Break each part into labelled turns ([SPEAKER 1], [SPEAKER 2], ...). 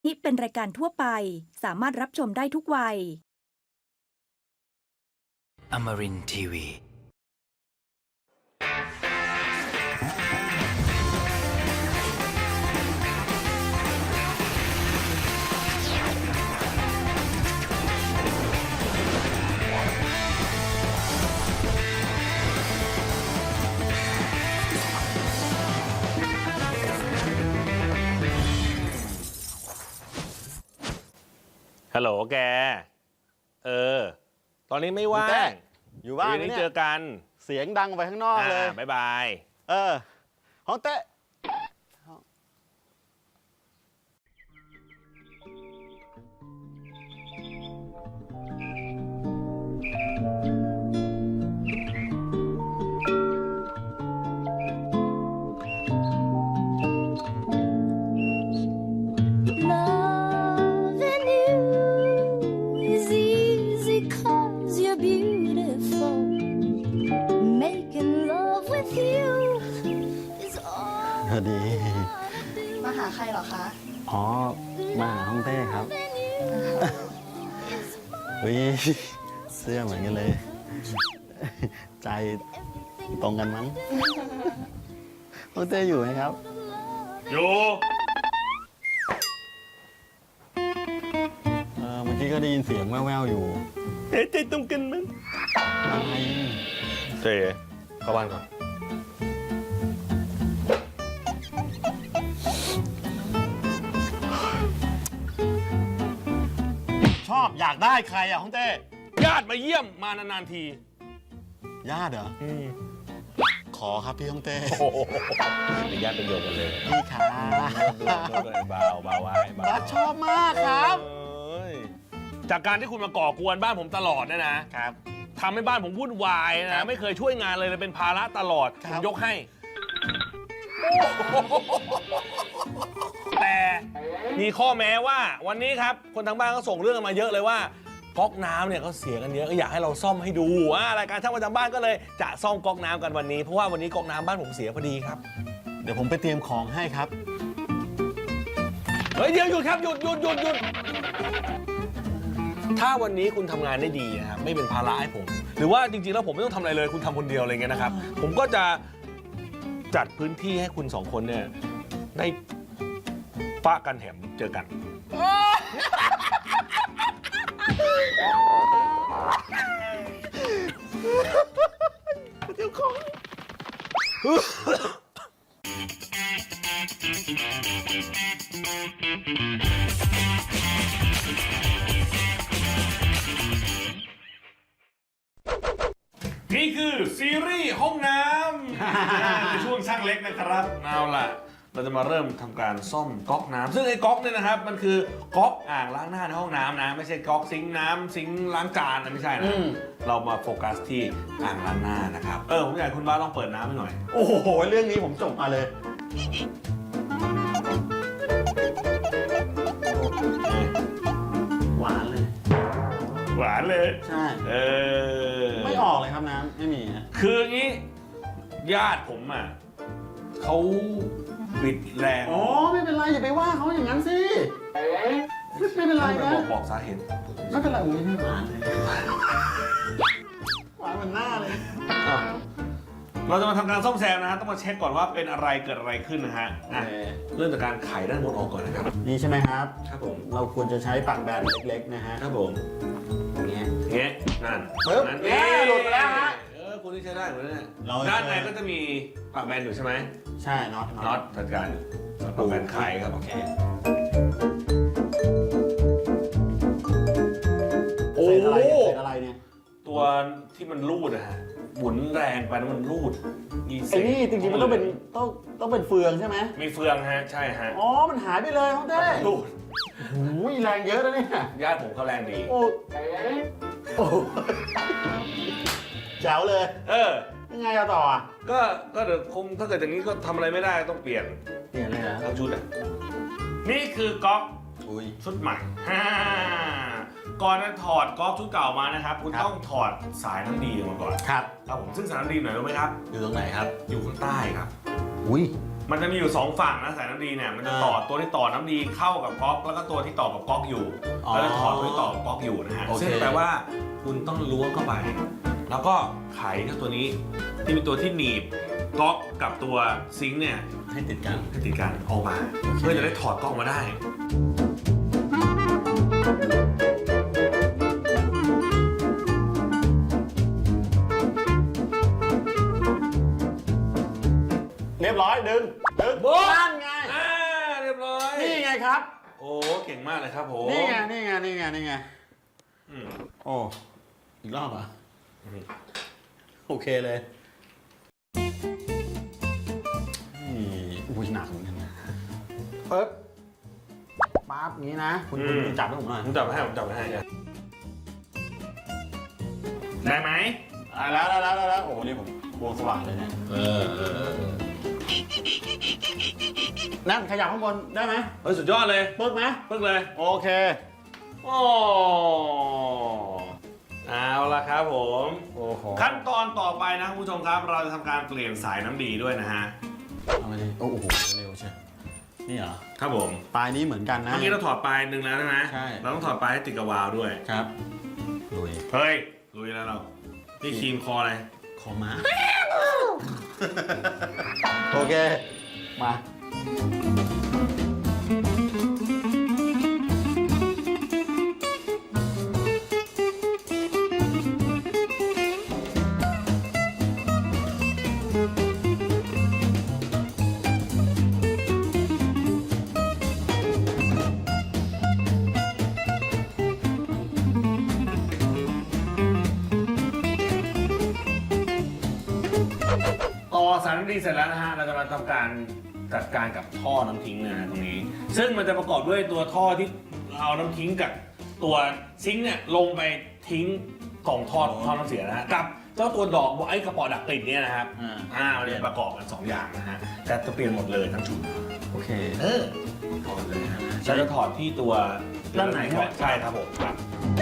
[SPEAKER 1] นี่เป็นรายการทั่วไปสามารถรับชมได้ทุกวัย
[SPEAKER 2] Amarin Tiwi.
[SPEAKER 3] Hello แกตอนนี้ไม่ว่าง
[SPEAKER 4] อยู่บ้าน
[SPEAKER 3] นี้
[SPEAKER 4] เนี่ย
[SPEAKER 3] เจอกัน
[SPEAKER 4] เสียงดังไปข้างนอกเลย
[SPEAKER 3] บ๊ายบาย
[SPEAKER 4] ห้องเต้
[SPEAKER 5] Loving you is easy 'cause you're beautiful. Making love with you is all
[SPEAKER 4] สวัสดี
[SPEAKER 6] มาหาใครเหรอคะ
[SPEAKER 4] อ๋อ มาหาห้องเต้ครับ เฮ้ย เสื้อเหมือนกันเลย ใจตรงกันมั้ง ห้องเต้อยู่ไหมครับ
[SPEAKER 3] อยู่
[SPEAKER 4] เมื่อกี้ก็ได้ยินเสียงแว่วๆอยู่
[SPEAKER 3] ใจตรงกันมั้ง
[SPEAKER 4] อะไร
[SPEAKER 3] เจ๊เข้าบ้านก่อน
[SPEAKER 4] ชอบอยากได้ใครอ่ะห้องเต้
[SPEAKER 3] ญาติมาเยี่ยมมานานๆที
[SPEAKER 4] ญาติเหรอ ขอครับพี่ห้องเต้
[SPEAKER 3] โอ้โหเป็นญาติเป็นโยมกันเลย
[SPEAKER 4] พี่ครับ
[SPEAKER 3] เบาไว้เบา
[SPEAKER 4] บัสชอบมากครับ
[SPEAKER 3] จากการที่คุณมาก่อกวนบ้านผมตลอดเนี่ยนะครับทำให้บ้านผมวุ่นวาย
[SPEAKER 4] ครั
[SPEAKER 3] นะ
[SPEAKER 4] บ
[SPEAKER 3] ไม่เคยช่วยงานเลยเป็นภาระตลอด
[SPEAKER 4] ค
[SPEAKER 3] ผ
[SPEAKER 4] รับ
[SPEAKER 3] มยกให้ แต่มีข้อแม้ว่าวันนี้ครับคนทางบ้านก็ส่งเรื่องมาเยอะเลยว่าก๊อกน้ำเนี่ยเขาเสียกันเยอะก็อยากให้เราซ่อมให้ดูรายการช่างประจำบ้านก็เลยจะซ่อมก๊อกน้ำกันวันนี้เพราะว่าวันนี้ก๊อกน้ำบ้านผมเสียพอดีครับ
[SPEAKER 4] เดี๋ยวผมไปเตรียมของให้ครับ
[SPEAKER 3] เฮ้ยเดี๋ยวหยุดครับหยุดถ้าวันนี้คุณทำงานได้ดีนะครับไม่เป็นภาระให้ผม หรือว่าจริงๆแล้วผมไม่ต้องทำอะไรเลยคุณทำคนเดียวอะไรเงี้ยนะครับ ผมก็จะจัดพื้นที่ให้คุณสองคนเนี่ยได้ปะกันแถมเจอกัน นี่คือซีรีส์ห้องน้ำ ในช่วงช่างเล็กนะครับเอาล่ะ เราจะมาเริ่มทำการซ่อมก๊อกน้ำซึ่งไอ้ก๊อกเนี่ยนะครับมันคือก๊อกอ่างล้างหน้าในห้องน้ำนะไม่ใช่ก๊อกซิงค์น้ำซิงค์ล้างจานนะไม่ใช่นะเรามาโฟกัสที่อ่างล้างหน้านะครับผมอยากให้คุณบ้าลองเปิดน้ำให้หน่อย
[SPEAKER 4] โอ้โห เรื่องนี้ผมจบมาเลย หวานเลย
[SPEAKER 3] หวานเลย
[SPEAKER 4] ใช่ ไม่ออกเลยครับน้ำไม่มีนะ
[SPEAKER 3] คืออย่างนี้ญาติผมอ่ะเขาบิดแรง
[SPEAKER 4] อ๋อ ไม่เป็นไร อย่าไปว่าเขาอย่างนั้นสิ ไม่เป็นไรนะ
[SPEAKER 3] บอกสาเหตุ
[SPEAKER 4] ไม่เป็นไรโอ้ยไม่หวานเลย หวานเหมือนหน้าเลย
[SPEAKER 3] เราจะมาทำการซ่อมแซมนะฮะต้องมาเช็คก่อนว่าเป็นอะไรเกิดอะไรขึ้นนะฮะเริ่มจากการไขด้านบนออกก่อนนะครับ
[SPEAKER 4] นี่ใช่ไหมครับ
[SPEAKER 3] ครับผม
[SPEAKER 4] เราควรจะใช้ปากแบนเล็กๆนะฮะ
[SPEAKER 3] ครับผม
[SPEAKER 4] อย่างเงี้ย
[SPEAKER 3] เงี้ยนั่น
[SPEAKER 4] ปึ๊บ
[SPEAKER 3] นั่น
[SPEAKER 4] หลุดไปแล้วฮะ
[SPEAKER 3] คุณที่ใช้ได้เหมือนกัน
[SPEAKER 4] เรา
[SPEAKER 3] ด้านในก็จะมีปากแบนอยู่ใช่ไหม
[SPEAKER 4] ใช่น็อต
[SPEAKER 3] น็อตจัดการปากแบนไขครับโอเคโอ้
[SPEAKER 4] เศษอะไร
[SPEAKER 3] โห
[SPEAKER 4] เศษอะไรเนี่ย
[SPEAKER 3] ตัวที่มันรูดอะฮะหมุนแรงไปแล้วมันรูดมีเศ
[SPEAKER 4] ไอ้
[SPEAKER 3] ษ
[SPEAKER 4] นี่จริงๆมันต้องเป็นเฟืองใช่ไหม
[SPEAKER 3] มีเฟืองฮะใช่ฮะ
[SPEAKER 4] อ๋อ มันหายไปเลยเขาเต้
[SPEAKER 3] รูด
[SPEAKER 4] โอ้ยแรงเยอะนะเนี่ย
[SPEAKER 3] ญาติผมเขาแรงดี
[SPEAKER 4] โอ้โอ้แจ๋วเลย ยังไงเอาต่ออ่ะ
[SPEAKER 3] ก็เดี๋ยวคงถ้าเกิดอย่างนี้ก็ทำอะไรไม่ได้ต้องเปลี่ยน
[SPEAKER 4] เปลี่ยนเลยนะ
[SPEAKER 3] ทั้งชุดอ่ะนี่คือก๊อก
[SPEAKER 4] อุ้ย
[SPEAKER 3] ชุดใหม่ ก่อนจะถอดก๊อกชุดเก่ามานะครับคุณ
[SPEAKER 4] ครับ
[SPEAKER 3] ต้องถอดสายน้ำดีออกมาก่อน
[SPEAKER 4] ครับ
[SPEAKER 3] ครับผมซึ่งสายน้ำดีไหนรู้ไหมครับ
[SPEAKER 4] อยู่ตรงไหนครับ
[SPEAKER 3] อยู่ข้างใต้ครับ
[SPEAKER 4] อุ้ย
[SPEAKER 3] มันจะมีอยู่2ฝั่งนะสายน้ำดีเนี่ยมันจะต่อตัวที่ต่อน้ำดีเข้ากับก๊อกแล้วก็ตัวที่ต่อกับก๊อกอยู่แล้วจะถอดตัวที่ต่อกับก๊อกอยู่นะฮะซึ่งแปลว่าคุณต้องล้วงเข้าไปแล้วก็ไขเจ้าตัวนี้ที่เป็นตัวที่หนีบก๊อกกับตัวซิงค์เนี่ย
[SPEAKER 4] ให้ติดกัน
[SPEAKER 3] ให้ติดกันออกมาเพื่อจะได้ถอดก๊อกมาได้
[SPEAKER 4] เรียบร้อยดึง
[SPEAKER 3] โบ๊ะ
[SPEAKER 4] นั่นไง
[SPEAKER 3] เรียบร้อย
[SPEAKER 4] นี่ไงครับ
[SPEAKER 3] โอ้เก่งมากเลยครับผม
[SPEAKER 4] นี่ไง
[SPEAKER 3] อืม
[SPEAKER 4] โอ้อีกรอบอ่ะ
[SPEAKER 3] อืม
[SPEAKER 4] โอเคเลยนี่อุ้ยหนักเหมือนกันนะปึ๊บปั๊บงี้นะคุณจับให้ผมหน่อย
[SPEAKER 3] ผมจับให้ได้ไหม
[SPEAKER 4] แล้วโอ้นี่ผมวงสว่างเลยเนี่ยนั่นขยับข้างบนได้ไหม
[SPEAKER 3] เฮ้ยสุดยอดเลย
[SPEAKER 4] ปึ๊บไหม
[SPEAKER 3] ปึ๊กเลย
[SPEAKER 4] โอเค
[SPEAKER 3] โอ้เอาละครับผม
[SPEAKER 4] โอ้โห
[SPEAKER 3] ขั้นตอนต่อไปนะคุณผู้ชมครับ เราจะทำการเปลี่ยนสายน้ำดีด้วยนะฮะ
[SPEAKER 4] เอาไปดิโอ้โหเร็วใช่นี่เหรอ
[SPEAKER 3] ครับผม
[SPEAKER 4] ปลายนี้เหมือนกันนะ
[SPEAKER 3] เมื่อกี้เราถอดปลายหนึ่งแล้วใช่ไหม
[SPEAKER 4] ใช่
[SPEAKER 3] เราต้องถอดปลายให้ติดกับวาล์วด้วย
[SPEAKER 4] ครับลุย
[SPEAKER 3] เฮ้ยลุยแล้วเรานี่ครีมคออะไร
[SPEAKER 4] คอม้า โอเค มา
[SPEAKER 3] ต่อสายน้ำดีเสร็จแล้วนะฮะ เราจะมาทำการจัดการกับท่อน้ำทิ้งนะฮะตรงนี้ ซึ่งมันจะประกอบด้วยตัวท่อที่เอาน้ำทิ้งกับตัวซิงค์เนี่ยลงไปทิ้งกล่องท่อน้ำเสียนะฮะกับเจ้าตัวดอกไอ้กระป๋อดักกลิ่นเนี่ยนะครับมันจะประกอบกัน2อย่างนะฮะแต่จะเปลี่ยนหมดเลยทั้งชุด
[SPEAKER 4] โอเค
[SPEAKER 3] ถอดเลยนะฮะเราจะถอดที่ตัว
[SPEAKER 4] ด้านไหนครับ
[SPEAKER 3] ใช่ครับผมครับ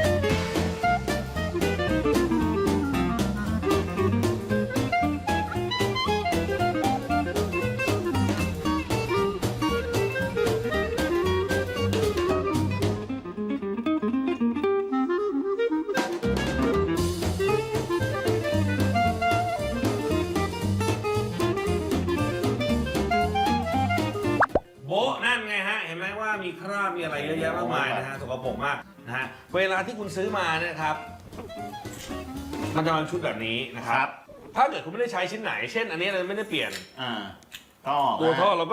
[SPEAKER 3] โบ๊ะนั่นไงฮะ เห็นไหมว่ามีคราบมีอะไรเยอะแยะมากมายนะฮะสกปรกมากนะฮะเวลาที่คุณซื้อมาเนี่ยครับ มันจะมาเป็นชุดแบบนี้นะครับ ถ้าเกิดคุณไม่ได้ใช้ชิ้นไหน เช่น อันนี้เราไม่ได้เปลี่ยน
[SPEAKER 4] ก็
[SPEAKER 3] ตัวท่อเราก็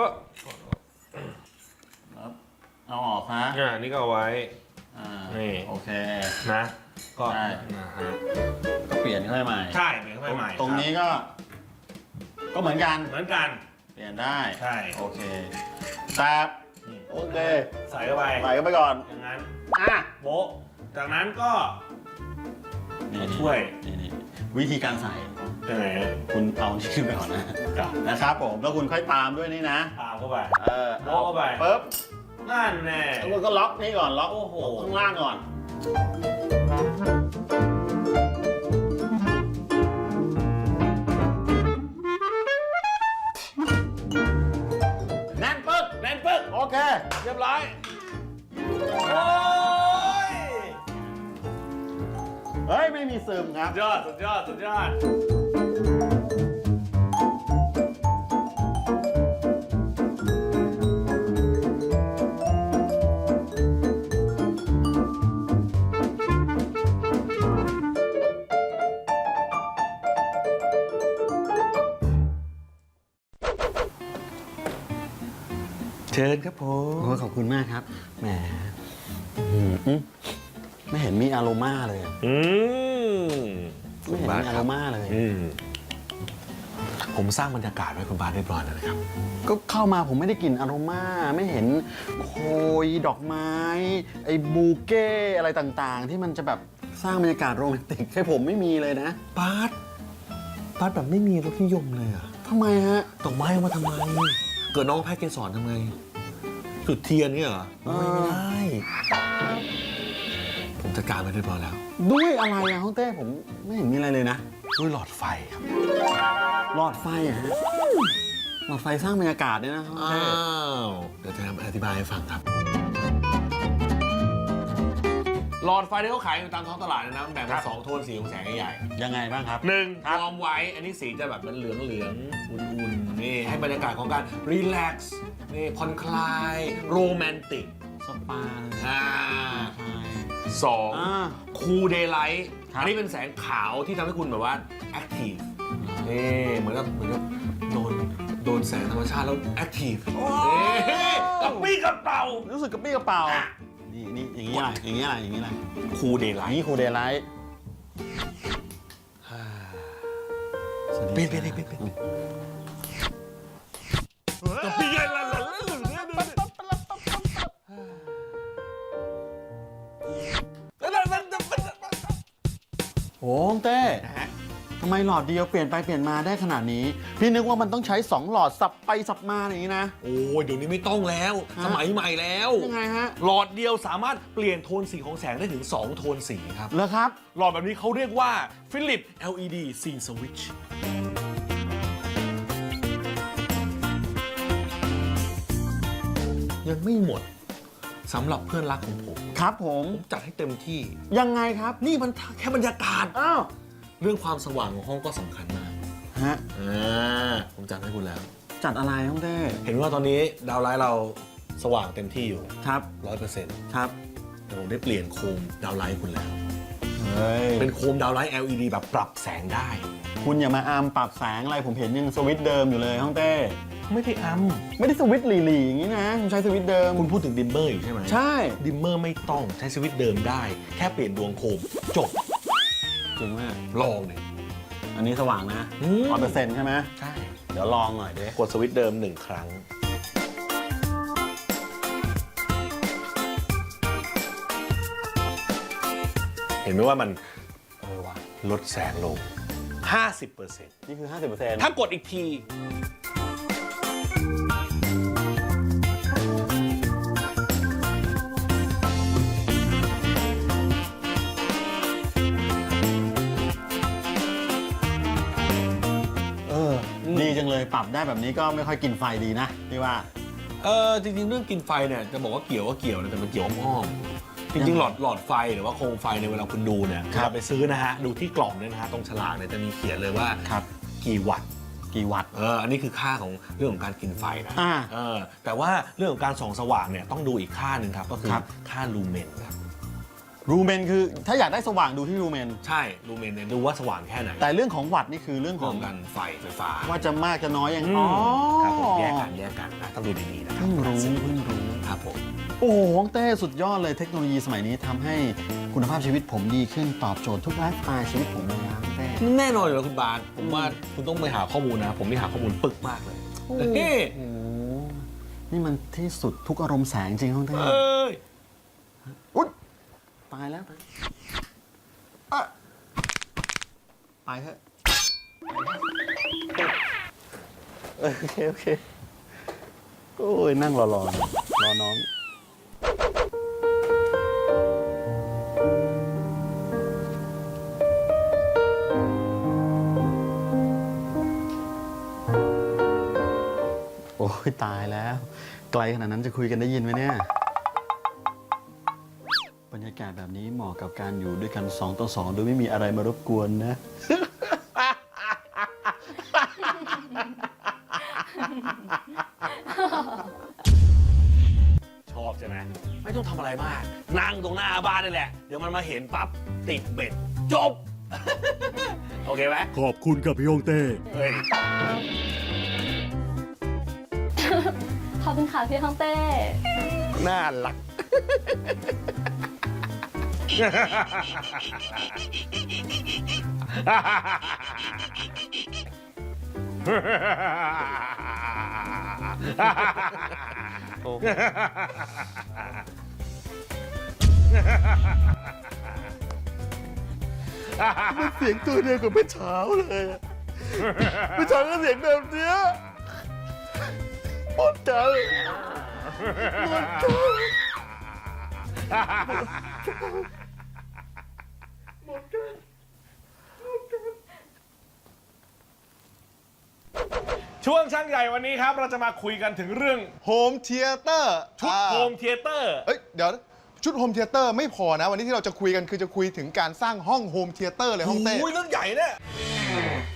[SPEAKER 4] เอาออกนะ
[SPEAKER 3] นี่ก็เอาไว้ นี่
[SPEAKER 4] โอเค
[SPEAKER 3] นะก็
[SPEAKER 4] ใช่
[SPEAKER 3] นะฮะ
[SPEAKER 4] ก็เปลี่ยนเข้าไปใหม่
[SPEAKER 3] ใช่เปลี่ยนเข้าไปใหม่
[SPEAKER 4] ตรงนี้ก็เหมือนกัน
[SPEAKER 3] เหมือนกัน
[SPEAKER 4] เปลี่ยนได้
[SPEAKER 3] ใช่
[SPEAKER 4] โอเคแต่โอเค
[SPEAKER 3] ใส่เข้าไป
[SPEAKER 4] ใส่เข้าไปก่อน
[SPEAKER 3] อย่างนั้น
[SPEAKER 4] อ่ะ
[SPEAKER 3] โบ๊ะจากนั้นก็
[SPEAKER 4] นี่
[SPEAKER 3] ช่วย
[SPEAKER 4] นี่วิธีการใส่
[SPEAKER 3] ยังไงฮะ
[SPEAKER 4] คุณเอาที่ขึ้นไปก่อนนะครับผมแล้วคุณค่อยตามด้วยนี่นะ
[SPEAKER 3] ตามเข้าไป
[SPEAKER 4] โบ๊ะ
[SPEAKER 3] เข้าไป
[SPEAKER 4] ปึ๊บ
[SPEAKER 3] นั่นแน่
[SPEAKER 4] แล้วคุณก็ล็อกนี่ก่อนล็อก
[SPEAKER 3] โอ้โห
[SPEAKER 4] ข้างล่างก่อนแน่นปึ๊ก
[SPEAKER 3] แน่นปึ๊ก
[SPEAKER 4] โอเค
[SPEAKER 3] เรียบร้อยโอ้ย
[SPEAKER 4] เฮ้ย ไม่มีซึมครับ
[SPEAKER 3] สุดยอดเชิญครับผม
[SPEAKER 4] โอ้ขอบคุณมากครับ แหมไม่เห็นมีอโรมาเลยอะไม่เห็นมีอโรมาเลย
[SPEAKER 3] ผมสร้างบรรยากาศไว้คุณบาสเรียบร้อยแล้วนะครับ
[SPEAKER 4] ก็เข้ามาผมไม่ได้กลิ่นอโรมาไม่เห็นโคยดอกไม้ ไอ้บูเก้อะไรต่างๆ ที่มันจะแบบสร้างบรรยากาศโรแมนติกให้ผมไม่มีเลยนะ
[SPEAKER 3] บาสแบบไม่มีรสนิยมเลยอะ
[SPEAKER 4] ทำไมฮะ
[SPEAKER 3] ดอกไม้เอามาทำไม เกิดน้องแพ้เกสรทำไง จุดเทียนเนี่ยเหรอ ไม่ได้ ผมจัดการไปเรียบร้อยแล้ว
[SPEAKER 4] ด้วยอะไรอะฮ่องเต้ผมไม่เห็นมีอะไรเลยนะ
[SPEAKER 3] ด้วยหลอดไฟครับ
[SPEAKER 4] หลอดไฟอะฮะหลอดไฟสร้างบรรยากาศด้วยนะ
[SPEAKER 3] อ้าวเดี๋ยวจะอธิบายให้ฟังครับ หลอดไฟที่เขาขายอยู่ตามท้องตลาดนะแบ่งเป็น2 โทนสีของแสงใหญ่
[SPEAKER 4] ยังไงบ้างครับ
[SPEAKER 3] ๆ1วอร์มไว้ อันนี้สีจะแบบเหลืองอุ่นๆนี่ให้บรรยากาศของการรีแลกซ์นี่ผ่อนคลายโรแมนติก
[SPEAKER 4] สปา
[SPEAKER 3] สองคูลเดย์ไลท์
[SPEAKER 4] ครับ
[SPEAKER 3] อันนี้เป็นแสงขาวที่ทำให้คุณแบบว่าแอคทีฟนี่เหมือนกับโดนแสงธรรมชาติแล้วแอคทีฟกับปี้กับเป่า
[SPEAKER 4] รู้สึกกระปี้กระเป๋า นี่อย่างนี้อะไรอย่างนี้อะไรอย่างนี้อะไร
[SPEAKER 3] คูลเดย์ไล
[SPEAKER 4] อัน
[SPEAKER 3] ท์
[SPEAKER 4] นี้ครูเดย์ไลท์
[SPEAKER 3] เปลี่ยนกับปี้ไงล่ะ
[SPEAKER 4] โอ้ฮ่องเต้ทำไมหลอดเดียวเปลี่ยนไปเปลี่ยนมาได้ขนาดนี้ พี่นึกว่ามันต้องใช้ 2 หลอดสับไปสับมาอย่างนี้นะ
[SPEAKER 3] โอ้ยเดี๋ยวนี้ไม่ต้องแล้ว สมัยใหม่แล้ว
[SPEAKER 4] ยังไงฮะ
[SPEAKER 3] หลอดเดียวสามารถเปลี่ยนโทนสีของแสงได้ถึง 2 โทนสีครับ
[SPEAKER 4] เหรอครับ
[SPEAKER 3] หลอดแบบนี้เขาเรียกว่า Philips LED Scene Switch ยังไม่หมดสำหรับเพื่อนรักของผม
[SPEAKER 4] ครับผม
[SPEAKER 3] จัดให้เต็มที่
[SPEAKER 4] ยังไงครับ
[SPEAKER 3] นี่มันแค่บรรยากาศ
[SPEAKER 4] อ้าว
[SPEAKER 3] เรื่องความสว่างของห้องก็สำคัญมาก
[SPEAKER 4] ฮะ
[SPEAKER 3] ผมจัดให้คุณแล้ว
[SPEAKER 4] จัดอะไรฮ่องเต้
[SPEAKER 3] เห็นว่าตอนนี้ดาวไลท์เราสว่างเต็มที่อยู่
[SPEAKER 4] ครับ
[SPEAKER 3] 100%
[SPEAKER 4] ครับ
[SPEAKER 3] เดี๋ยวผมได้เปลี่ยนโคมดาวไลท์คุณแล้ว
[SPEAKER 4] เฮ้ย
[SPEAKER 3] เป็นโคมดาวไลท์ LED แบบปรับแสงได้
[SPEAKER 4] คุณอย่ามาอามปรับแสงอะไรผมเห็นยังสวิตช์เดิมอยู่เลยฮ่องเต้
[SPEAKER 3] ไม่ได้อัม
[SPEAKER 4] ไม่ได้สวิตช์หลีๆอย่างนี้นะคุณใช้สวิตช์เดิม
[SPEAKER 3] คุณพูดถึงดิมเมอร์อยู่ใช่ไหม
[SPEAKER 4] ใช่
[SPEAKER 3] ดิมเมอร์ไม่ต้องใช้สวิตช์เดิมได้ แค่เปลี่ยนดวงโคมจบ
[SPEAKER 4] จริงมาก
[SPEAKER 3] ลองเลย
[SPEAKER 4] อันนี้สว่างนะ 100%ใช่ไหม
[SPEAKER 3] ใช่
[SPEAKER 4] เดี๋ยวลองหน่อยดิ
[SPEAKER 3] กดสวิตช์เดิม 1 ครั้ง เห็นไหมว่ามันลดแสงลง 50%
[SPEAKER 4] นี่คือ 50%
[SPEAKER 3] ถ้ากดอีกที
[SPEAKER 4] ดีจังเลยปรับได้แบบนี้ก็ไม่ค่อยกินไฟดีนะพี่ว่า
[SPEAKER 3] จริงๆ เรื่องกินไฟเนี่ยจะบอกว่าเกี่ยวก็เกี่ยวนะแต่มันเกี่ยวอ้อมๆจริงๆ หลอดไฟหรือว่าโคมไฟในยเวลาคุณดูเนี่ย
[SPEAKER 4] ครับ
[SPEAKER 3] เวลาไปซื้อนะฮะ ดูที่กล่องเนี่ยนะฮะ ตรงฉลากเนี่ยจะมีเขียนเลยว่า
[SPEAKER 4] ครับ
[SPEAKER 3] กี่วัตต์
[SPEAKER 4] กี่วัตต์
[SPEAKER 3] อันนี้คือค่าของเรื่องของการกินไฟนะ
[SPEAKER 4] อ่า
[SPEAKER 3] แต่ว่าเรื่องของการส่องสว่างเนี่ยต้องดูอีกค่าหนึ่งครับก็คือ
[SPEAKER 4] ครับ
[SPEAKER 3] ค่าลูเมนครับ
[SPEAKER 4] รูเมนคือถ้าอยากได้สว่างดูที่รูเมน
[SPEAKER 3] ใช่ลูเมนเนี่ยดูว่าสว่างแค่ไหน
[SPEAKER 4] แต่เรื่องของวัตต์นี่คือเรื่องข
[SPEAKER 3] เรื่
[SPEAKER 4] อ
[SPEAKER 3] อง งการไฟฟ้า
[SPEAKER 4] ว่าจะมากจะน้อยยัง
[SPEAKER 3] อืม
[SPEAKER 4] อ๋อ
[SPEAKER 3] ครับผมแยกกันนะต้องดูดีๆนะครั
[SPEAKER 4] เพิ่งรู้
[SPEAKER 3] ครับผม
[SPEAKER 4] โอ้โหฮ่องเต้สุดยอดเลยเทคโนโลยีสมัยนี้ทำให้คุณภาพชีวิตผมดีขึ้นตอบโจทย์ทุกไลฟ์สไตล์ชีวิตผมเลยนะฮ่องเต้
[SPEAKER 3] แน่นอนอยู่แล้วคุณบาสผมว่าคุณต้องไปหาข้อมูลนะ ผมนี่หาข้อมูลปึกมากเลย
[SPEAKER 4] โอ้
[SPEAKER 3] เฮ้
[SPEAKER 4] โหนี่มันที่สุดทุกอารมณ์แสงจริงฮ่องเต้
[SPEAKER 3] เอ้ย
[SPEAKER 4] อุ๊ยตายแล้วอ่ะไปเถอะโอเค โอ้ย นั่งรอน้อง โอ้ย ตายแล้ว ไกลขนาดนั้นจะคุยกันได้ยินไหมเนี่ย บรรยากาศแบบนี้เหมาะกับการอยู่ด้วยกัน 2 ต่อ 2 โดยไม่มีอะไรมารบกวนนะ
[SPEAKER 3] ชอบใช่ไหมไม่ต้องทำอะไรมาก นั่งตรงหน้าบ้านนี่แหละ เดี๋ยวมันมาเห็นปั๊บ ติดเบ็ด จบ โอเคไหม
[SPEAKER 4] ขอบคุณกับพี่ฮงเต้
[SPEAKER 3] เฮ้ย
[SPEAKER 6] ขอบคุณค่ะพี่ฮ่องเต้
[SPEAKER 3] น่ารัก
[SPEAKER 4] เสียงตัวเดียวกับเมื่อเช้าเลยอะเมื่อเช้าก็เสียงแบบเนี้ยหมดกัน
[SPEAKER 3] ช่วงช่างใหญ่วันนี้ครับ เราจะมาคุยกันถึงเรื่อง
[SPEAKER 7] โฮมเธียเตอร์
[SPEAKER 3] ชุดโฮมเธียเตอร์
[SPEAKER 7] เอ้ยเดี๋ยวชุดโฮมเธียเตอร์ไม่พอนะ วันนี้ที่เราจะคุยกันคือจะคุยถึงการสร้างห้องโฮมเธียเตอร์เลยห้องเต้
[SPEAKER 3] โอ้ยเรื่องใหญ่เนี่ย